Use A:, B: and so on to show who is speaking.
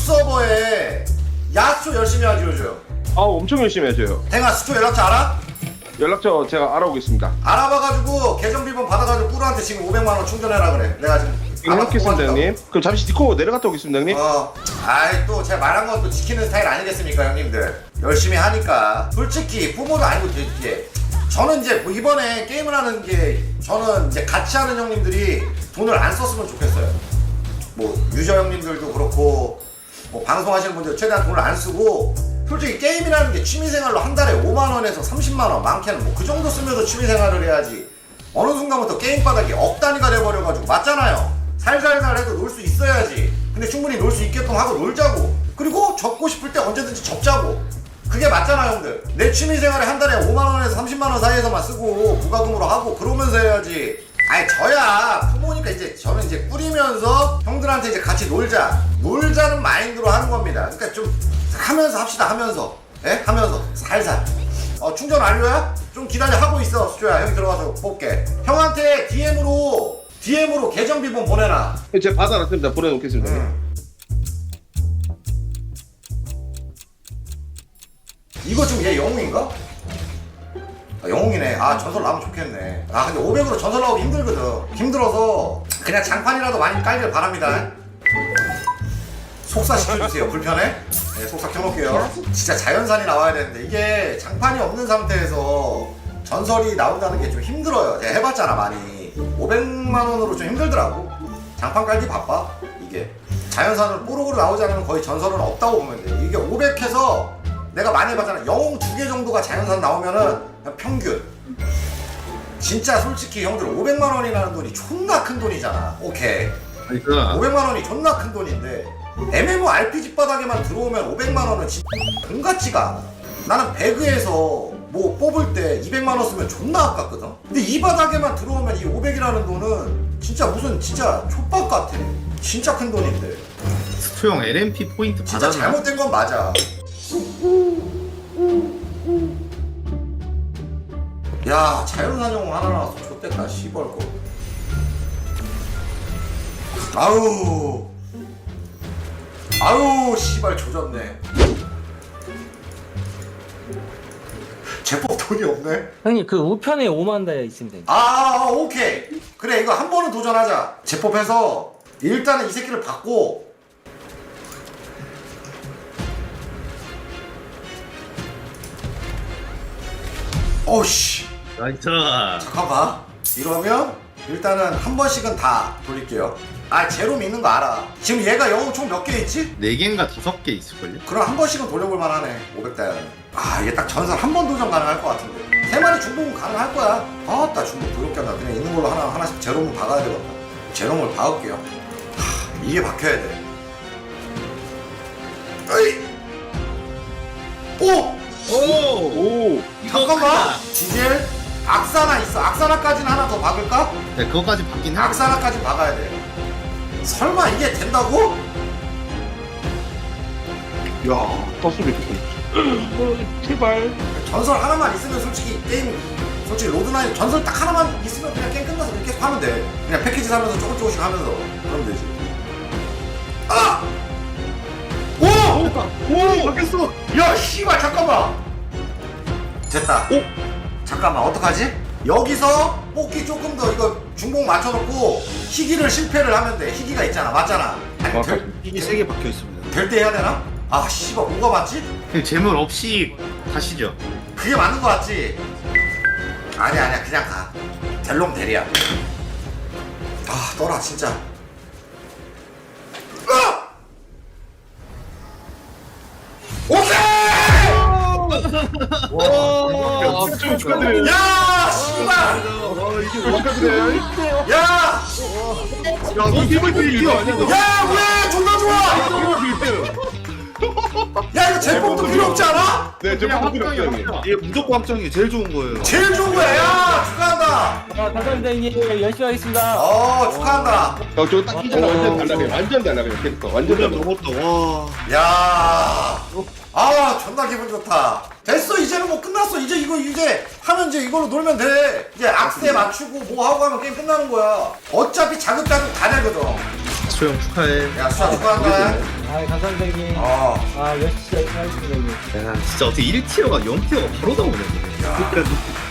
A: 서버에 야수 열심히 하지 요즘.
B: 아 엄청 열심히 하셔요.
A: 댕아 수초 연락처 알아?
B: 연락처 제가 알아보겠습니다.
A: 알아봐가지고 계정 비번 받아가지고 꾸루한테 지금 500만원 충전해라 그래. 내가 지금
B: 해놓겠습니다 형님. 그럼 잠시 디코 내려갔다 오겠습니다 형님.
A: 아이 또 제가 말한 건 또 지키는 스타일 아니겠습니까 형님들. 열심히 하니까 솔직히 부모도 아니고 되게 저는 이제 뭐 이번에 게임을 하는 게 저는 이제 같이 하는 형님들이 돈을 안 썼으면 좋겠어요. 뭐 유저 형님들도 그렇고 뭐 방송하시는 분들 최대한 돈을 안 쓰고 솔직히 게임이라는 게 취미생활로 한 달에 5만원에서 30만원 많게는 뭐 그 정도 쓰면서 취미생활을 해야지 어느 순간부터 게임 바닥이 억 단위가 돼버려가지고 맞잖아요. 살살살 해도 놀 수 있어야지. 근데 충분히 놀 수 있게끔 하고 놀자고. 그리고 접고 싶을 때 언제든지 접자고. 그게 맞잖아 형들. 내 취미생활에 한 달에 5만원에서 30만원 사이에서만 쓰고 부가금으로 하고 그러면서 해야지. 아니 저야 부모니까 이제 저는 이제 꾸리면서 형들한테 이제 같이 놀자는 마인드로 하는 겁니다. 그러니까 좀 하면서 합시다. 하면서 하면서 살살. 충전 완료야? 좀 기다려. 하고 있어 수조야. 형이 들어가서 볼게. 형한테 DM으로 계정 비번 보내놔.
B: 제가 받아놨습니다. 보내놓겠습니다.
A: 이거 지금 얘 영웅인가? 아, 영웅이네. 아 전설 나오면 좋겠네. 아 근데 500으로 전설 나오기 힘들거든. 힘들어서 그냥 장판이라도 많이 깔길 바랍니다. 속사 시켜주세요. 불편해? 네, 속사 켜놓을게요. 진짜 자연산이 나와야 되는데 이게 장판이 없는 상태에서 전설이 나온다는 게 좀 힘들어요. 제가 해봤잖아 많이. 500만원으로 좀 힘들더라고. 장판 깔기 바빠. 이게 자연산으로 뽀록으로 나오지 않으면 거의 전설은 없다고 보면 돼. 이게 500해서 내가 많이 해봤잖아. 영웅 2개 정도가 자연산 나오면은 그냥 평균. 진짜 솔직히 형들 500만원이라는 돈이 존나 큰 돈이잖아. 오케이. 500만원이 존나 큰 돈인데 MMORPG 바닥에만 들어오면 500만원은 진짜 돈 같지가 않아. 나는 배그에서 뭐 뽑을 때 200만원 쓰면 존나 아깝거든. 근데 이 바닥에만 들어오면 이 500이라는 돈은 진짜 무슨 진짜 촉박 같아. 진짜 큰 돈인데.
C: 스토형 LMP 포인트
A: 진짜
C: 받았나?
A: 잘못된 건 맞아. 야 자연산 영웅 하나 나왔어. 좆됐다 씨발 거. 아우 씨발 조졌네. 제법 돈이 없네.
D: 형님 그 우편에 5만 다이아 있으면 돼요.
A: 오케이. 그래 이거 한 번은 도전하자. 제법해서 일단은 이 새끼를 받고 어우씨
C: 나이스.
A: 잠깐만. 이러면 일단은 한 번씩은 다 돌릴게요. 제로 믿는 거 알아. 지금 얘가 영웅 총 몇 개 있지?
C: 4개인가 5개 있을걸요?
A: 그럼 한 번씩은 돌려볼 만하네. 500다이아는. 이게 딱 전설 한 번 도전 가능할 것 같은데. 3마리 중복은 가능할 거야. 나 중복 도둑견다. 그냥 있는 걸로 하나씩 제로물 박아야 되겠다. 제로물 박을게요. 이게 박혀야 돼. 어이!
B: 오.
A: 잠깐만! 지젤? 악사나 있어. 악사나까지는 하나 더 박을까?
C: 네, 그거까지 받긴 해.
A: 악사나까지 박아야 돼. 설마 이게 된다고?
B: 야, 떴으면 좋겠다. 제발.
A: 전설 하나만 있으면 솔직히 게임 솔직히 로드나인 전설 딱 하나만 있으면 그냥 게임 끝나서 그렇게 계속 하면 돼. 그냥 패키지 사면서 조금씩 하면서 그러면 되지.
B: 오, 바뀌었어.
A: 야 씨발 잠깐만. 됐다. 잠깐만 어떡하지? 여기서 뽑기 조금 더 이거 중복 맞춰놓고 희귀를 실패를 하면 돼. 희귀가 있잖아. 맞잖아.
C: 이게 3개 박혀 있습니다.
A: 될 때 해야 되나? 씨발 뭐가 맞지?
C: 재물 없이 가시죠.
A: 그게 맞는 거 같지? 아니야 그냥 가. 델롱 대리야. 떠라 진짜. 오케이!
B: 와, 좀 축하드려요.
A: 야 씨발!
B: 이게 축하드려요.
A: 야!
B: 너 팀을 이거 아니야?
A: 야 왜 존나 좋아! 야 이거 제법도 필요 없지 않아?
B: 네, 저 필요 없어요. 형님.
E: 이게 무조건 확정이 제일 좋은 거예요.
A: 제일 좋은 거야. 야 축하한다.
D: 감사합니다 형님. 열심히 하겠습니다.
A: 축하한다.
B: 저거 딱 끼잖아. 완전 달라요. 완전 달라요. 캐릭터. 완전 달라.
E: 넘었다. 와.
A: 야, 존나 기분 좋다. 됐어, 이제는 뭐 끝났어. 이제 하면 이제 이걸로 놀면 돼. 이제 악세 맞추고 뭐 하고 하면 게임 끝나는 거야. 어차피 자급자족 다 되거든.
C: 스토형 축하해.
A: 야, 수아 축하한다.
D: 아, 감사합니다, 형님. 열심히 하겠습니다, 형님.
C: 진짜 어떻게 1티어가 0티어가 바로 나오네.
A: 야.
E: 그러니까